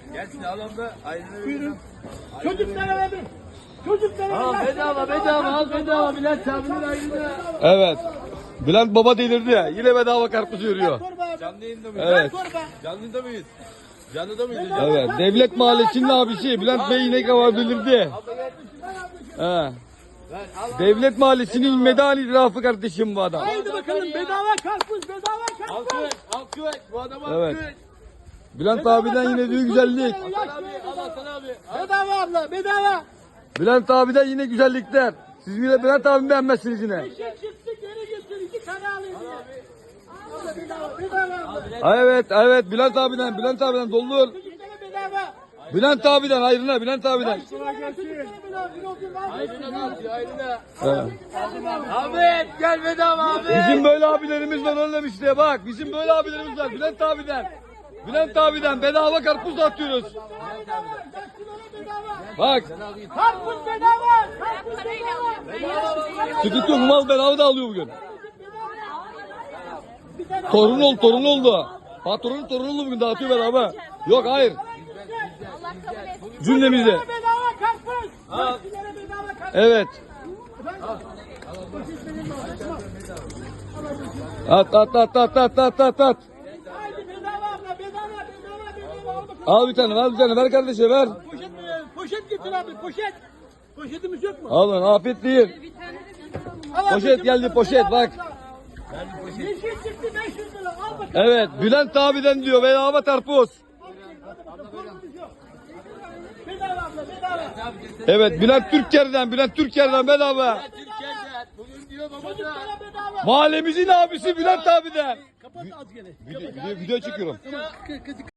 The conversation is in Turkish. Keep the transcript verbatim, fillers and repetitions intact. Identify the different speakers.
Speaker 1: Gelsin alalım da ayrını
Speaker 2: Buyurun. Çocuklara verin. Çocuklara
Speaker 1: Al
Speaker 2: verin.
Speaker 1: bedava bedava al bedava Bülent abinin ayrını.
Speaker 3: Evet. Bülent Baba delirdi ya. Yine bedava karpuz yürüyor.
Speaker 2: Torba abi.
Speaker 1: Canlı yayında mıyız?
Speaker 3: Evet.
Speaker 2: Torba.
Speaker 1: Canlıda mıyız? Canlıda mıyız?
Speaker 3: Evet. Devlet Mahallesi'nin abisi Bülent Bey yine kavar delirdi. He. Devlet Mahallesi'nin medani itirafı kardeşim bu adam.
Speaker 2: Haydi bakalım bedava karpuz, bedava karpuz.
Speaker 1: Alkış, alkış. Bu adama
Speaker 3: Evet.
Speaker 1: alkış.
Speaker 3: Bülent abiden yine büyük güzellik.
Speaker 1: Hasan abi, al Hasan abi. Al.
Speaker 2: Bedava abla, bedava.
Speaker 3: Bülent abiden yine güzellikler. Siz yine Bülent abimi beğenmezsiniz yine.
Speaker 2: Eşek çıktı geri getir. İki tane alayım diye. Abla bedava, bedava.
Speaker 3: Ha, evet, evet Bülent abiden, Bülent abiden doldur.
Speaker 2: Çocuklara bedava.
Speaker 3: Bülent abiden ayrına, Bülent abiden.
Speaker 2: Çocuklara bedava. Bir olsun var.
Speaker 1: Ayrına al, ayrına.
Speaker 3: Evet.
Speaker 1: Ahmet gel bedava abi.
Speaker 3: Bizim böyle abilerimiz var oğlum işte bak. Bizim böyle abilerimiz var Bülent abiden. Bülent abiden bedava karpuz atıyoruz. Bak
Speaker 2: Karpuz bedava. Karpuz bedava.
Speaker 3: sıkıntı yok mal bedava da alıyor bugün. Torun oldu torun oldu. Patronun torunu oldu bugün dağıtıyor bedava. Yok hayır. Cümlemizde.
Speaker 2: Bedava karpuz. Çocuklara bedava karpuz.
Speaker 3: Evet. At at at at at at at at.
Speaker 2: Haydi bedava abla, bedava, bedava, bedava. Al bakalım.
Speaker 3: Al bir tane ver bir tane ver kardeşe ver.
Speaker 2: Poşet, e, poşet getir abi, poşet. Poşetimiz yok mu?
Speaker 3: Al lan afiyet değil.
Speaker 2: Al abi,
Speaker 3: Poşet geldi,
Speaker 2: bakalım,
Speaker 3: poşet,
Speaker 2: bedava
Speaker 3: bak.
Speaker 2: abla. Yeşil çıktı beş yüz lira. Al bakalım.
Speaker 3: Evet Bülent abiden diyor bedava karpuz.
Speaker 2: Korkunuz yok. Bedava abla, bedava.
Speaker 3: Evet Bülent Türker'den Bülent Türker'den bedava.
Speaker 1: Türkiye'de bugün diyor baba da.
Speaker 2: Çocuklara bedava.
Speaker 3: Mahallemizin abisi Bülent abiden.
Speaker 2: Kapat az gene.
Speaker 3: Video, video, video çekiyorum.